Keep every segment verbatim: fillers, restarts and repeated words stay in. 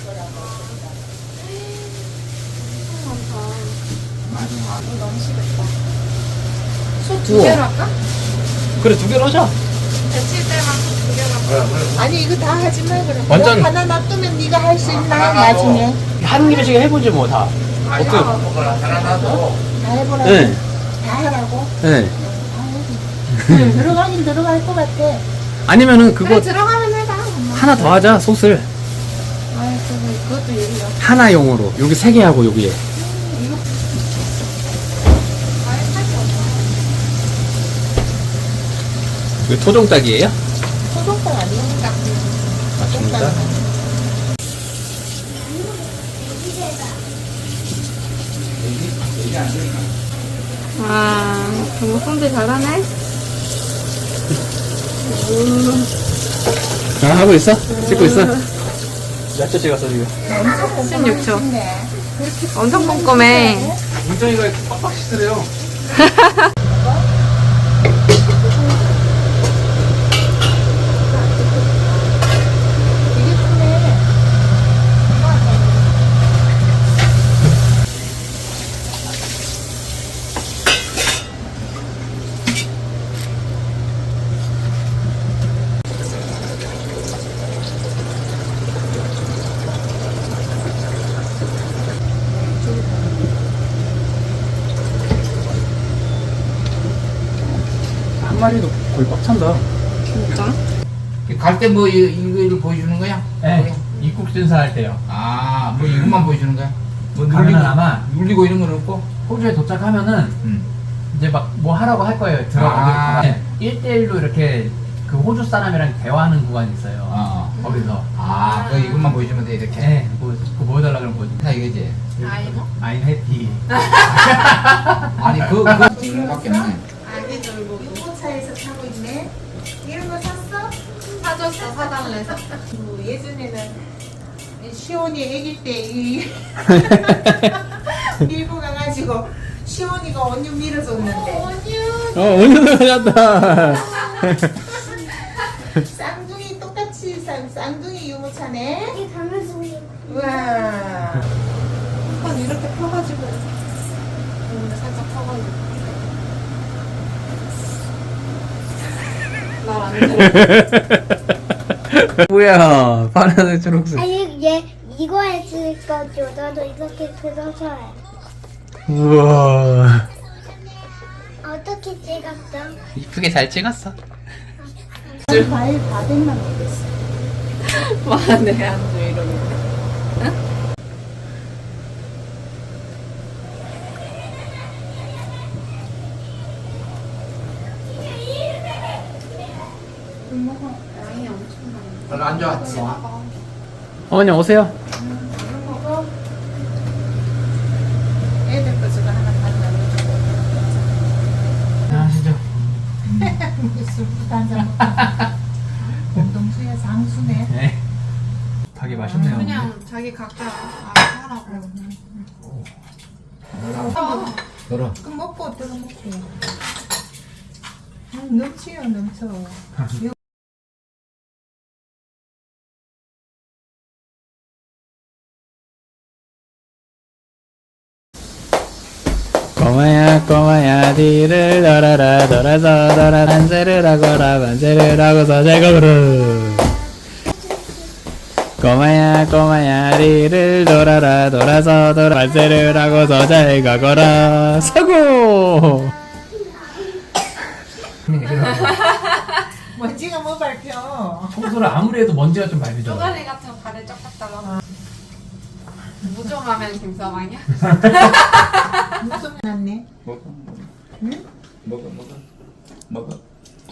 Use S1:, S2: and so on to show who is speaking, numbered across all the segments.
S1: 많다.
S2: 이거 너무 식었다. 소 두
S3: 우와.
S2: 개로 할까?
S3: 그래, 두 개로 하자.
S2: 데칠 때만 소 두 개로 할까?
S1: 아니 이거 다 하지 마 그럼.
S3: 완전-
S1: 이거 하나 놔두면 네가 할 수 있나 나중에.
S3: 한 김에씩 해보지, 뭐, 다. 어때?
S1: 다 해보라고.
S3: 네.
S1: 다 하라고.
S3: 네.
S1: 다 해. 들어가긴 들어갈 것 같아.
S3: 아니면은
S2: 그래
S3: 그거
S2: 들어가면 해봐. 엄마.
S3: 하나 더 하자, 솥을.
S2: 아이 그거 그것도 얘기야.
S3: 하나용으로. 여기 세 개 하고, 여기에.
S2: 아예 살이 없어.
S3: 이거 토종닭이에요?
S1: 소독당 아니야?
S3: 아, 진짜?
S2: 와 정말 손질 잘하네.
S3: 아, 하고 있어? 찍고 있어? 몇 초 찍었어, 지금?
S2: 십육 초.
S1: 네.
S2: 엄청 꼼꼼해.
S3: 문정이가 빡빡 씻으래요.
S1: 되게 크네.
S3: 한 마리도 거의 꽉 찬다.
S2: 진짜?
S4: 갈 때 뭐 이거를 보여주는 거야?
S3: 네. 입국 준사할 때요.
S4: 아, 뭐 이것만 보여주는 거야? 뭐
S3: 가면은
S4: 눌리고,
S3: 아마
S4: 눌리고 이런 건 없고?
S3: 호주에 도착하면은
S4: 응.
S3: 이제 막 뭐 하라고 할 거예요.
S4: 아.
S3: 들어가면 일 대일로 이렇게 그 호주 사람이랑 대화하는 구간이 있어요.
S4: 어.
S3: 거기서.
S4: 아, 그 이것만 보여주면 돼, 이렇게.
S3: 네, 뭐, 그거 보여달라 그러면 보여줘.
S4: 다 이거지?
S2: 아이고.
S3: I'm happy.
S4: 아니, 그, 그, 이런 거밖에 없네.
S2: 아기 돌보기.
S1: 유모차에서 타고 있네. 이런 거 샀어?
S2: 사줬어 사달래서.
S1: 그 예전에는 시온이 아기 때 이 밀고 가가지고 시온이가 언니 밀어줬는데
S3: 어, 오늘도 가졌다.
S1: 쌍둥이 똑같이 쌍, 쌍둥이 유모차네.
S5: 이게 강아지
S1: 우와.
S2: 한번 이렇게 펴가지고. 오늘 살짝 펴가지고. 말 안 들어.
S3: 뭐야, 파란색 초록색.
S5: 아니 얘 이거 했을 거죠. 나도 이렇게 들어서 해.
S3: 우와.
S5: 어떻게 찍었어?
S3: 이쁘게 잘 찍었어.
S1: 과일 바백만 먹겠어.
S2: 말안돼 안돼 이러고. 양이 엄청 많아.
S4: 별로 안 좋았지?
S2: 봐봐.
S3: 어머니 오세요.
S1: 얼른 먹어. 애들 거 저거 하나 가져가지고.
S3: 안녕하시죠.
S1: 술 한잔 먹고. 공동수야 장수네.
S3: 네. 닭이 맛있네요.
S2: 그냥 자기 각자 알아서 하라고. 어.
S4: 들어.
S1: 그 먹고 들어 먹고. 음, 넘치요 넘쳐.
S3: 꼬마야 꼬마야 뒤를 돌아라 돌아서 돌아 만세를 하거라 만세를 하고서 제거를 꼬마야 꼬마야 뒤를 돌아라 돌아서 돌아 만세를 하고서 잘 가거라 사고.
S1: 먼지가 뭐 밟혀.
S3: 청소를 아무리 해도 먼지가 좀 밟히죠.
S2: 쪼가리 같은 거 발에 쩍 갔다가 무좀하면 김서방이야?
S1: 무슨 났네.
S4: 먹어.
S1: 응?
S4: 먹어, 먹어. 먹어.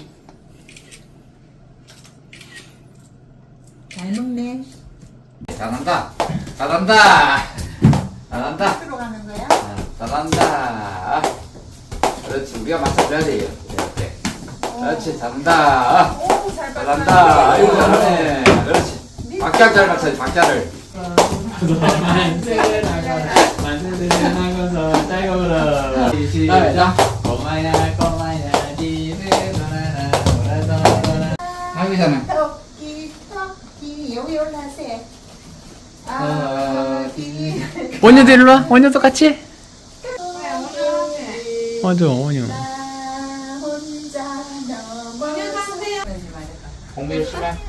S1: 잘 먹네.
S4: 잘한다. 잘한다. 잘한다.
S1: 들어가는 거야?
S4: 아, 잘한다. 그렇지, 우리가 맞춰줘야 돼요. 이렇게. 그렇지, 잘한다.
S1: 오, 잘 봤다.
S4: 잘한다. 아이고, 잘하네. 그렇지. 박자를 잘 맞춰야지, 박자를.
S3: 만세를 하거라 만세를 하고서 잘 가거라
S4: 시작.
S3: 꼬마야 꼬마야 뒤를 돌아라 돌아서 돌아
S4: 아이고, 잘하네.
S1: 토끼 토끼 여기 올라세.
S3: 아, 원효도 일로 와. 원효도 같이. 맞아, 원효.
S4: 공부 열심히 해.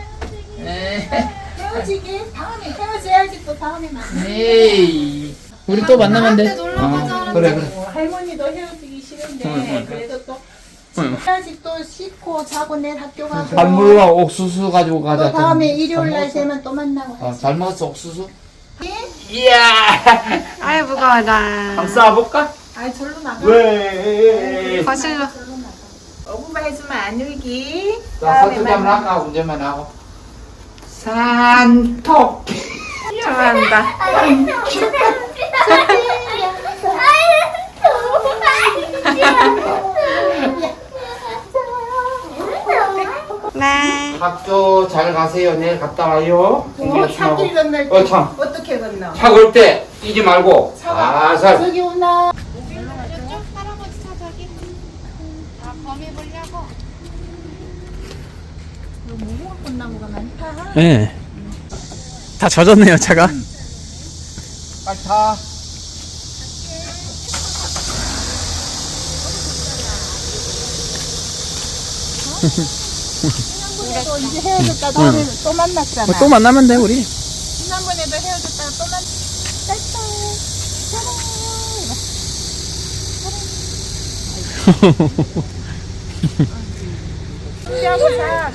S1: 헤어지기 다음에 헤어져야지 또 다음에 만나.
S4: 에이.
S3: 우리 또 만나면 돼.
S4: 어, 그래 그래.
S1: 어, 할머니도 헤어지기 싫은데
S3: 응, 응.
S1: 그래도 또
S3: 응.
S1: 해야지 또 씻고 자고 내일 학교 가고.
S4: 반물과 옥수수 가지고 가자.
S1: 또 다음에
S4: 좀.
S1: 일요일 날
S4: 잘 먹었어?
S1: 되면 또 만나고.
S4: 어, 잘 먹었어 옥수수?
S1: 예?
S4: 이야.
S2: 아이 무거워라.
S4: 한번 쏴볼까?
S1: 아이 절로 나가.
S4: 왜?
S2: 거실로.
S1: 오 분만 해주면 안 울기.
S4: 자, 서투리 한번 할까? 운전만 하고. 산토.
S2: 좋아한다. 네.
S4: 학교 잘 가세요. 내일 갔다 와요. 공부
S1: 어,
S4: 열심히 하고.
S1: 차길 건널 때
S4: 어, 참.
S1: 어떻게 건너?
S4: 차 걸 때 뛰지 말고
S1: 차가
S4: 살살.
S1: 저기 오나.
S2: 할아버지 차 저기. 다 범위 보려고.
S1: 무궁화 꽃나무가 많다.
S3: 네. 다 젖었네요, 차가.
S4: 빨리 타.
S1: 또 이제 헤어졌다 다음에 또 만났잖아.
S3: 뭐 또 만나면 돼, 우리.
S1: 지난번에도 헤어졌다가 또 만. 짜고 자.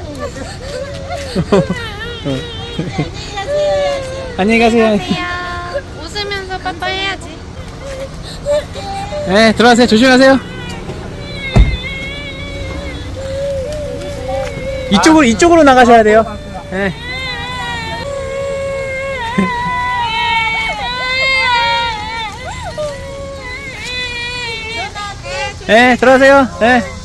S3: 안녕히 가세요.
S2: 웃으면서 빠빠 해야지.
S3: 네, 들어가세요. 조심하세요. 이쪽으로, 이쪽으로 나가셔야 돼요. 네. 네, 들어가세요. 네.